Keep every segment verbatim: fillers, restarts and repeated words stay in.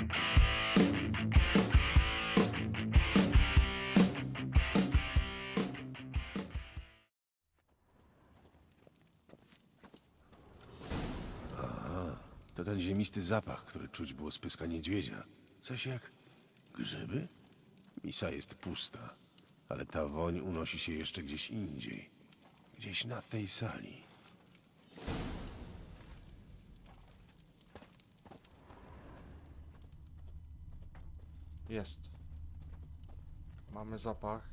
To ten ziemisty zapach, który czuć było z pyska niedźwiedzia. Coś jak grzyby? Misa jest pusta, ale ta woń unosi się jeszcze gdzieś indziej. Gdzieś na tej sali. Jest. Mamy zapach.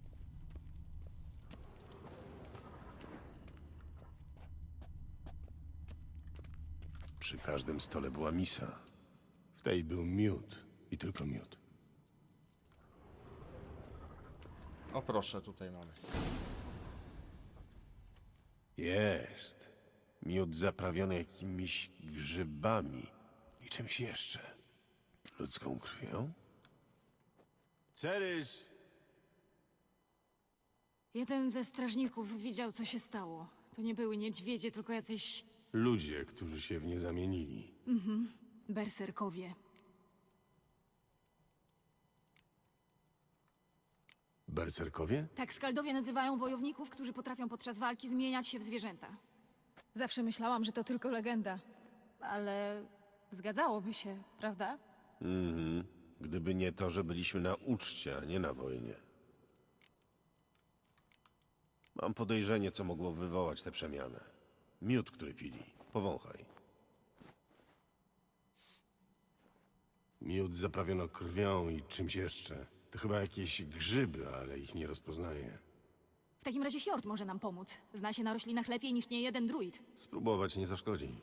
Przy każdym stole była misa. W tej był miód i tylko miód. O proszę, tutaj mamy. Jest. Miód zaprawiony jakimiś grzybami i czymś jeszcze. Ludzką krwią? Cerys! Jeden ze strażników widział, co się stało. To nie były niedźwiedzie, tylko jacyś Ludzie, którzy się w nie zamienili. berserkowie. Berserkowie? Tak skaldowie nazywają wojowników, którzy potrafią podczas walki zmieniać się w zwierzęta. Zawsze myślałam, że to tylko legenda. Ale zgadzałoby się, prawda? Mhm. Gdyby nie to, że byliśmy na uczcie, a nie na wojnie. Mam podejrzenie, co mogło wywołać tę przemianę. Miód, który pili. Powąchaj. Miód zaprawiono krwią i czymś jeszcze. To chyba jakieś grzyby, ale ich nie rozpoznaję. W takim razie Hjord może nam pomóc. Zna się na roślinach lepiej niż nie jeden druid. Spróbować nie zaszkodzi.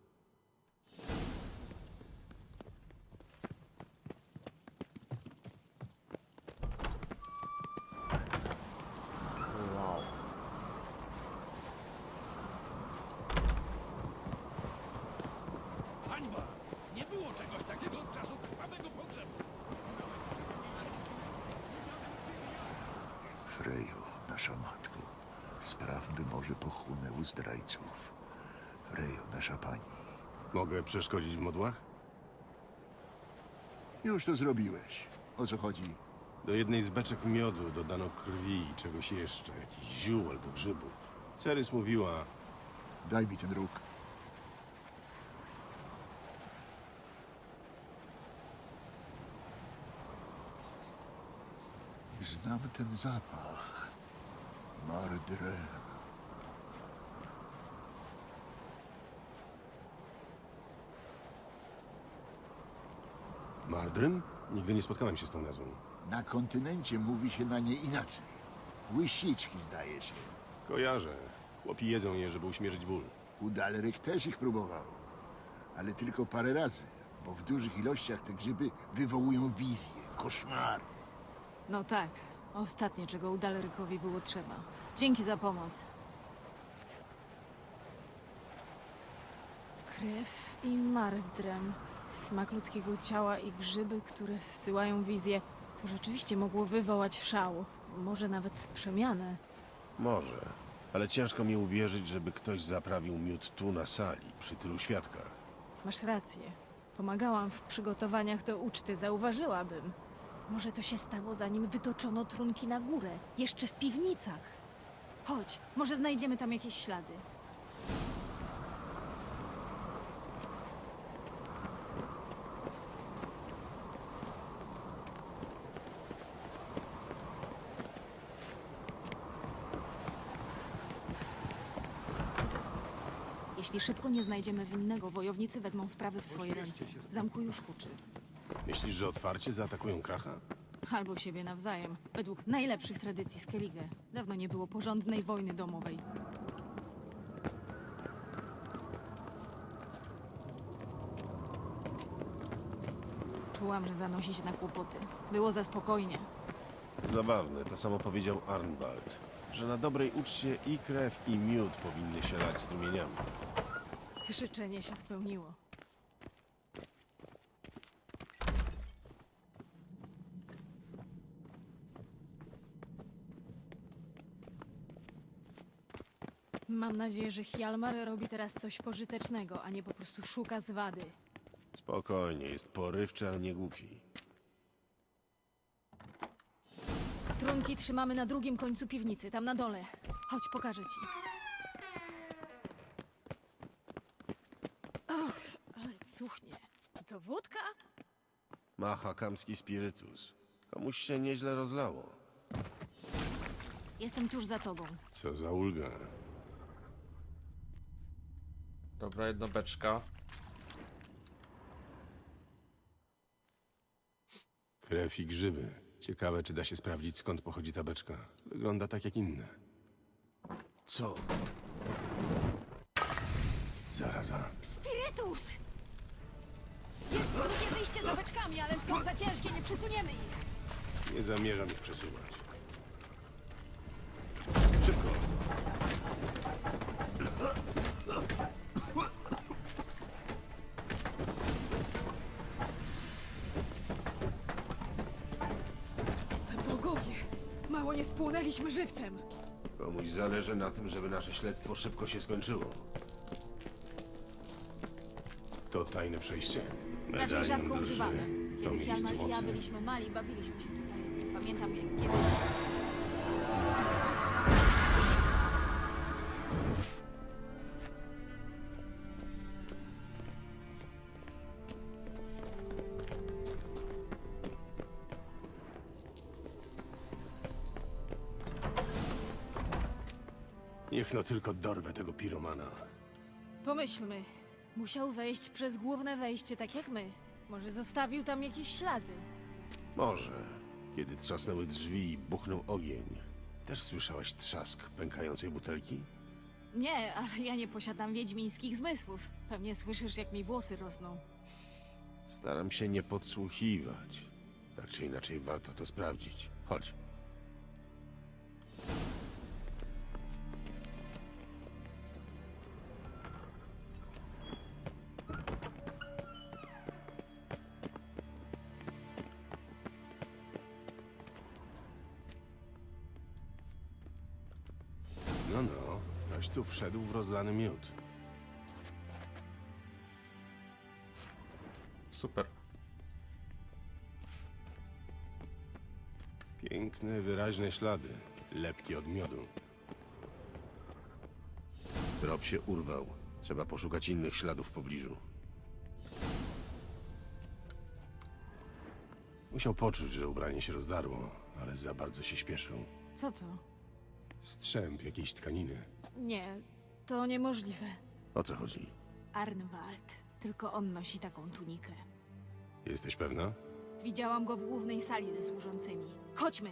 Wow. Hańba! Nie było czegoś takiego od czasu krwawego pogrzebu. Freju, nasza matko, spraw, by może pochłonęły zdrajców. Freju, nasza pani. Mogę przeszkodzić w modłach? Już to zrobiłeś. O co chodzi? Do jednej z beczek miodu dodano krwi i czegoś jeszcze. Jakichś ziół albo grzybów. Cerys mówiła... Daj mi ten róg. Znam ten zapach. Mardrem. Mardrym? Nigdy nie spotkałem się z tą nazwą. Na kontynencie mówi się na nie inaczej. Łysiczki, zdaje się. Kojarzę. Chłopi jedzą je, żeby uśmierzyć ból. Udalryk też ich próbował. Ale tylko parę razy, bo w dużych ilościach te grzyby wywołują wizje, koszmary. No tak. Ostatnie, czego Udalerykowi było trzeba. Dzięki za pomoc. Krew i mardrem. Smak ludzkiego ciała i grzyby, które zsyłają wizję. To rzeczywiście mogło wywołać szał. Może nawet przemianę. Może. Ale ciężko mi uwierzyć, żeby ktoś zaprawił miód tu na sali, przy tylu świadkach. Masz rację. Pomagałam w przygotowaniach do uczty, zauważyłabym. Może to się stało, zanim wytoczono trunki na górę. Jeszcze w piwnicach. Chodź, może znajdziemy tam jakieś ślady. Jeśli szybko nie znajdziemy winnego, wojownicy wezmą sprawy w swoje ręce. W zamku już huczy. Myślisz, że otwarcie zaatakują Kracha? Albo siebie nawzajem. Według najlepszych tradycji Skellige. Dawno nie było porządnej wojny domowej. Czułam, że zanosi się na kłopoty. Było za spokojnie. Zabawne, to samo powiedział Arnwald. Że na dobrej uczcie i krew, i miód powinny się lać strumieniami. Życzenie się spełniło. Mam nadzieję, że Hjalmar robi teraz coś pożytecznego, a nie po prostu szuka zwady. Spokojnie, jest porywczy, ale nie głupi. Trunki trzymamy na drugim końcu piwnicy, tam na dole. Chodź, pokażę ci. Och, ale cuchnie. To wódka? Ma hakamski spirytus. Komuś się nieźle rozlało. Jestem tuż za tobą. Co za ulga. Dobra, jedna beczka. Krew i grzyby. Ciekawe, czy da się sprawdzić, skąd pochodzi ta beczka. Wygląda tak jak inne. Co? Zaraza. Spirytus! Jest drugie wyjście za beczkami, ale są za ciężkie, nie przesuniemy ich. Nie zamierzam ich przesuwać. Szybko! Bogowie, mało nie spłonęliśmy żywcem. Komuś zależy na tym, żeby nasze śledztwo szybko się skończyło. To tajne przejście? Raczej rzadko drży. używane. To Kiedy miejsce Hjalmar i ja mocy. byliśmy mali, bawiliśmy się tutaj. Pamiętam, jak kiedyś... Niech no tylko dorwę tego piromana. Pomyślmy. Musiał wejść przez główne wejście, tak jak my. Może zostawił tam jakieś ślady. Może. Kiedy trzasnęły drzwi i buchnął ogień. Też słyszałaś trzask pękającej butelki? Nie, ale ja nie posiadam wiedźmińskich zmysłów. Pewnie słyszysz, jak mi włosy rosną. Staram się nie podsłuchiwać. Tak czy inaczej warto to sprawdzić. Chodź. No, no. Ktoś tu wszedł w rozlany miód. Super. Piękne, wyraźne ślady. Lepkie od miodu. Trop się urwał. Trzeba poszukać innych śladów w pobliżu. Musiał poczuć, że ubranie się rozdarło, ale za bardzo się śpieszył. Co to? Strzęp jakiejś tkaniny. Nie, to niemożliwe. O co chodzi? Arnwald. Tylko on nosi taką tunikę. Jesteś pewna? Widziałam go w głównej sali ze służącymi. Chodźmy!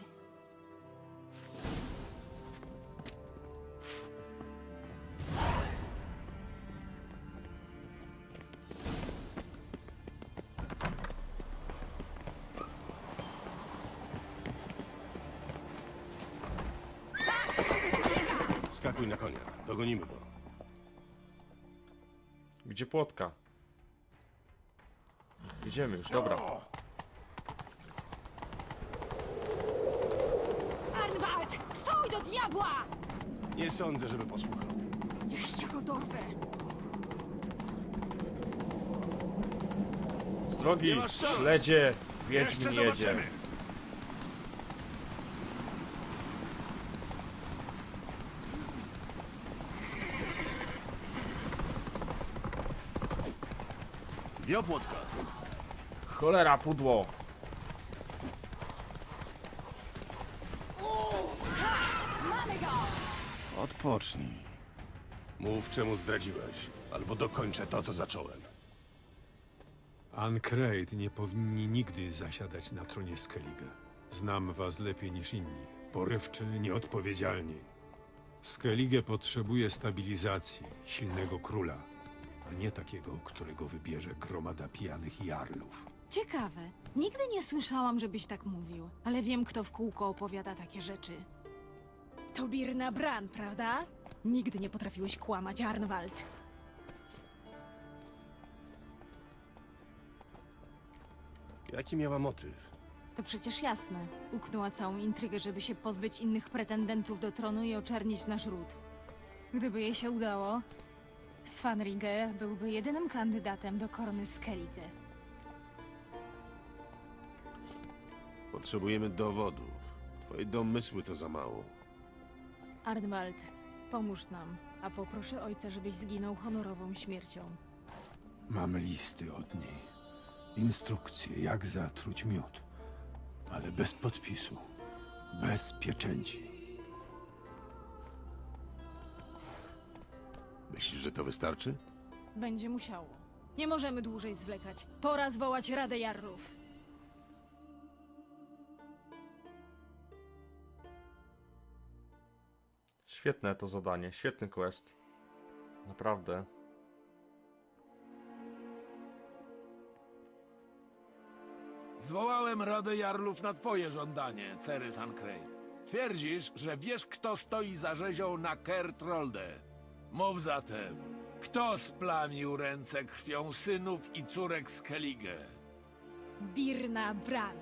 Skakuj na konia. Dogonimy go. Gdzie płotka? Idziemy już, dobra. Arnwald! Stój do diabła! Nie sądzę, żeby posłuchał. Jeszcze go dorwę! Z drogi, Nie masz szans. śledzie, Wiedźmin jedzie. Wiopłotka! Cholera, pudło. Mamy go! Odpocznij. Mów, czemu zdradziłeś, albo dokończę to, co zacząłem. Ancrate nie powinni nigdy zasiadać na tronie Skellige. Znam was lepiej niż inni. Porywczy, nieodpowiedzialni. Skellige potrzebuje stabilizacji, silnego króla, a nie takiego, którego wybierze gromada pijanych jarlów. Ciekawe. Nigdy nie słyszałam, żebyś tak mówił, ale wiem, kto w kółko opowiada takie rzeczy. To Birna Bran, prawda? Nigdy nie potrafiłeś kłamać, Arnwald. Jaki miała motyw? To przecież jasne. Uknęła całą intrygę, żeby się pozbyć innych pretendentów do tronu i oczernić nasz ród. Gdyby jej się udało, Svanrige byłby jedynym kandydatem do korony Skellige. Potrzebujemy dowodów. Twoje domysły to za mało. Arnwald, pomóż nam, a poproszę ojca, żebyś zginął honorową śmiercią. Mam listy od niej. Instrukcje, jak zatruć miód. Ale bez podpisu. Bez pieczęci. Myślisz, że to wystarczy? Będzie musiało. Nie możemy dłużej zwlekać. Pora zwołać Radę Jarlów. Świetne to zadanie, świetny quest. Naprawdę. Zwołałem Radę Jarlów na twoje żądanie, Cerys Ancrate. Twierdzisz, że wiesz, kto stoi za rzezią na Kertrolde. Mów zatem, kto splamił ręce krwią synów i córek Skellige? Birna Bran.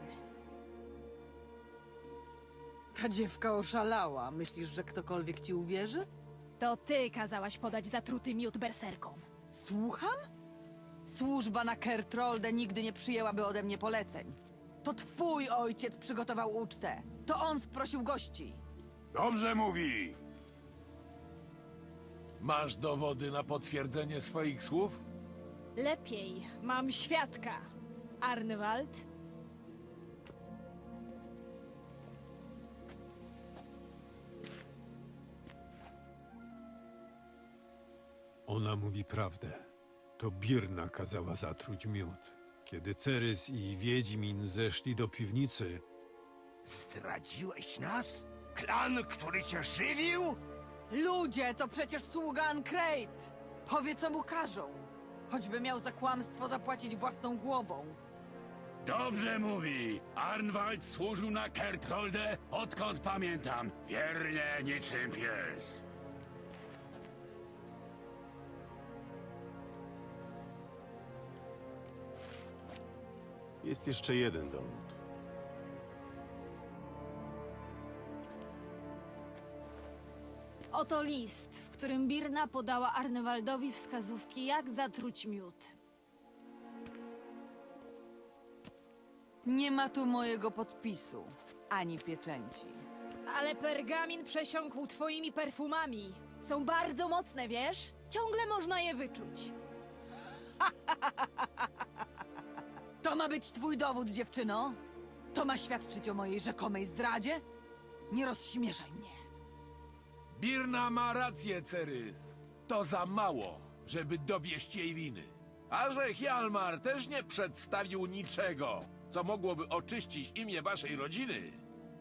Ta dziewka oszalała. Myślisz, że ktokolwiek ci uwierzy? To ty kazałaś podać zatruty miód berserkom. Słucham? Służba na Kertrolde nigdy nie przyjęłaby ode mnie poleceń. To twój ojciec przygotował ucztę. To on sprosił gości. Dobrze mówi! Masz dowody na potwierdzenie swoich słów? Lepiej, mam świadka. Arnwald? Ona mówi prawdę. To Birna kazała zatruć miód. Kiedy Cerys i Wiedźmin zeszli do piwnicy, Zdradziłeś nas? Klan, który cię żywił? Ludzie, to przecież sługa Ancrate. Powie, co mu każą. Choćby miał za kłamstwo zapłacić własną głową. Dobrze mówi. Arnwald służył na Kertrolde, odkąd pamiętam. Wiernie niczym pies. Jest jeszcze jeden dowód. Oto list, w którym Birna podała Arnwaldowi wskazówki, jak zatruć miód. Nie ma tu mojego podpisu, ani pieczęci. Ale pergamin przesiąkł twoimi perfumami. Są bardzo mocne, wiesz? Ciągle można je wyczuć. To ma być twój dowód, dziewczyno? To ma świadczyć o mojej rzekomej zdradzie? Nie rozśmieszaj mnie. Birna ma rację, Cerys. To za mało, żeby dowieść jej winy. A że Hjalmar też nie przedstawił niczego, co mogłoby oczyścić imię waszej rodziny,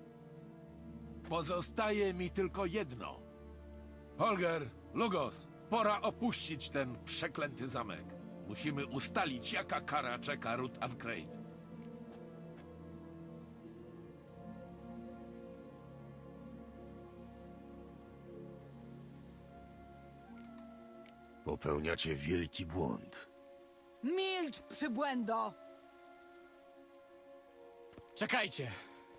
pozostaje mi tylko jedno. Holger, Lugos, pora opuścić ten przeklęty zamek. Musimy ustalić, jaka kara czeka Ruth Ancrate. Popełniacie wielki błąd. Milcz, przybłędo! Czekajcie!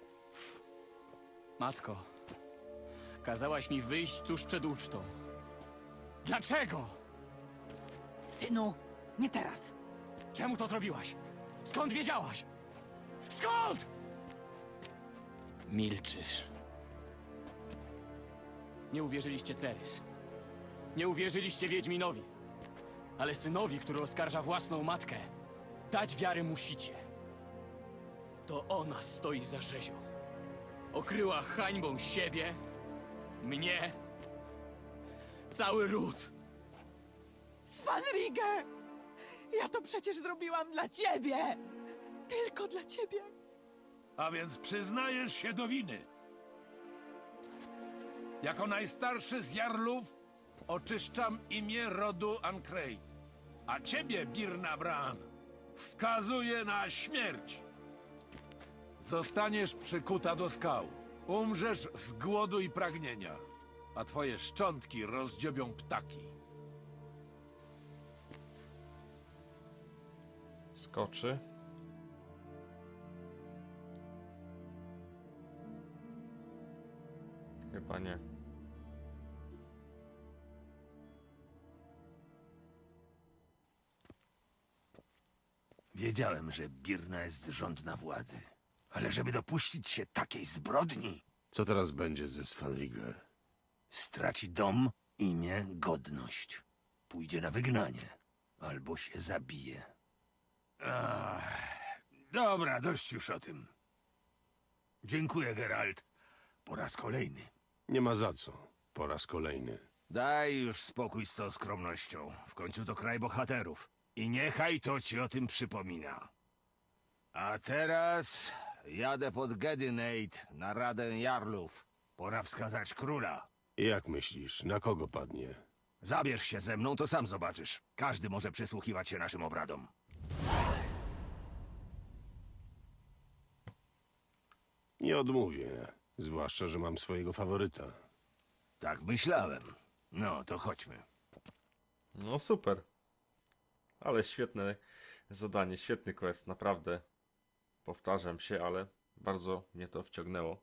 Matko, kazałaś mi wyjść tuż przed ucztą. Dlaczego? Synu, nie teraz. Czemu to zrobiłaś? Skąd wiedziałaś? Skąd? Milczysz. Nie uwierzyliście Cerys. Nie uwierzyliście Wiedźminowi. Ale synowi, który oskarża własną matkę, dać wiary musicie. To ona stoi za rzezią. Okryła hańbą siebie, mnie, cały ród. Svanrige! Ja to przecież zrobiłam dla ciebie! Tylko dla ciebie! A więc przyznajesz się do winy. Jako najstarszy z Jarlów oczyszczam imię rodu Ancrate. A ciebie, Birna Bran, skazuję na śmierć. Zostaniesz przykuta do skał. Umrzesz z głodu i pragnienia, a twoje szczątki rozdziobią ptaki. Skoczy. Chyba nie. Wiedziałem, że Birna jest żądna władzy. Ale żeby dopuścić się takiej zbrodni, Co teraz będzie ze Svanrige? straci dom, imię, godność. Pójdzie na wygnanie. Albo się zabije. Ach, dobra, dość już o tym. Dziękuję, Geralt. Po raz kolejny. Nie ma za co. Po raz kolejny. Daj już spokój z tą skromnością. W końcu to kraj bohaterów. I niechaj to ci o tym przypomina. A teraz jadę pod Gedynate na Radę Jarlów. Pora wskazać króla. Jak myślisz, na kogo padnie? Zabierz się ze mną, to sam zobaczysz. Każdy może przysłuchiwać się naszym obradom. Nie odmówię. Zwłaszcza, że mam swojego faworyta. Tak myślałem. No, to chodźmy. No super. Ale świetne zadanie, świetny quest, naprawdę. Powtarzam się, ale bardzo mnie to wciągnęło.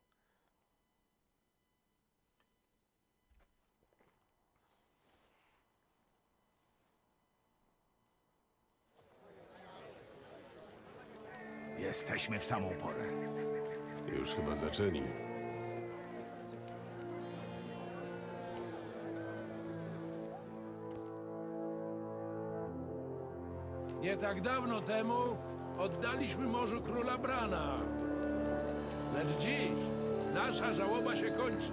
Jesteśmy w samą porę. Już chyba zaczęli. Nie tak dawno temu oddaliśmy morzu króla Brana. Lecz dziś nasza żałoba się kończy.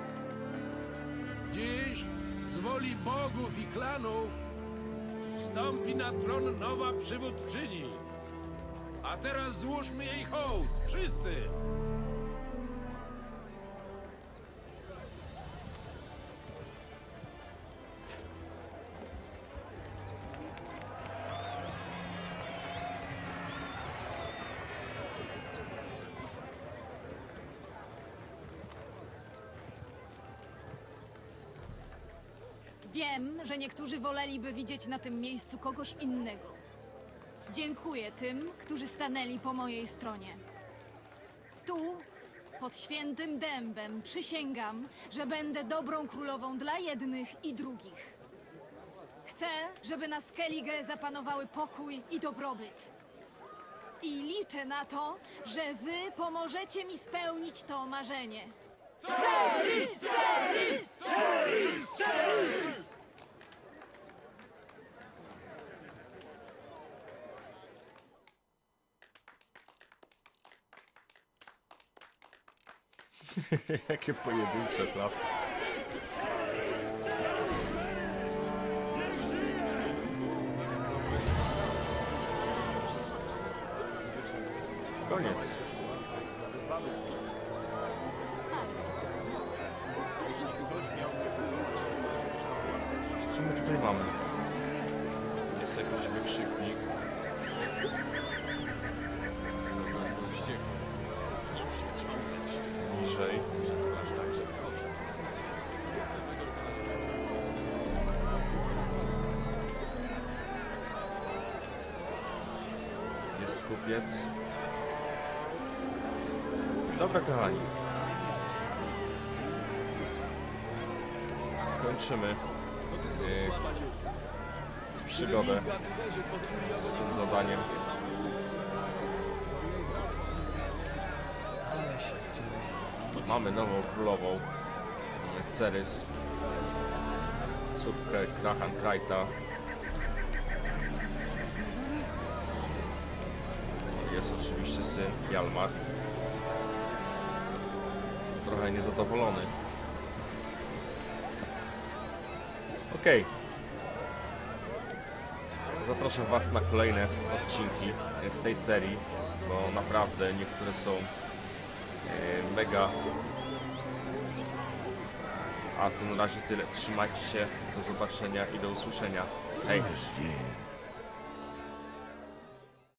Dziś z woli bogów i klanów wstąpi na tron nowa przywódczyni. A teraz złóżmy jej hołd, wszyscy! Wiem, że niektórzy woleliby widzieć na tym miejscu kogoś innego. Dziękuję tym, którzy stanęli po mojej stronie. Tu, pod świętym dębem, przysięgam, że będę dobrą królową dla jednych i drugich. Chcę, żeby na Skellige zapanowały pokój i dobrobyt. I liczę na to, że wy pomożecie mi spełnić to marzenie. Jakie pojedyncze klasy. Koniec. Co my tutaj mamy? Jest jakiś wykrzyknik. Niżej. Jest kupiec. Dobra, kochani. Kończymy yy, przygodę z tym zadaniem. Mamy nową królową, Cerys, córkę Krahan Krajta. Jest oczywiście syn Hjalmar. Trochę niezadowolony. Okej. Zapraszam Was na kolejne odcinki z tej serii, bo naprawdę niektóre są mega. A to na razie tyle. Trzymajcie się. Do zobaczenia i do usłyszenia. Hej.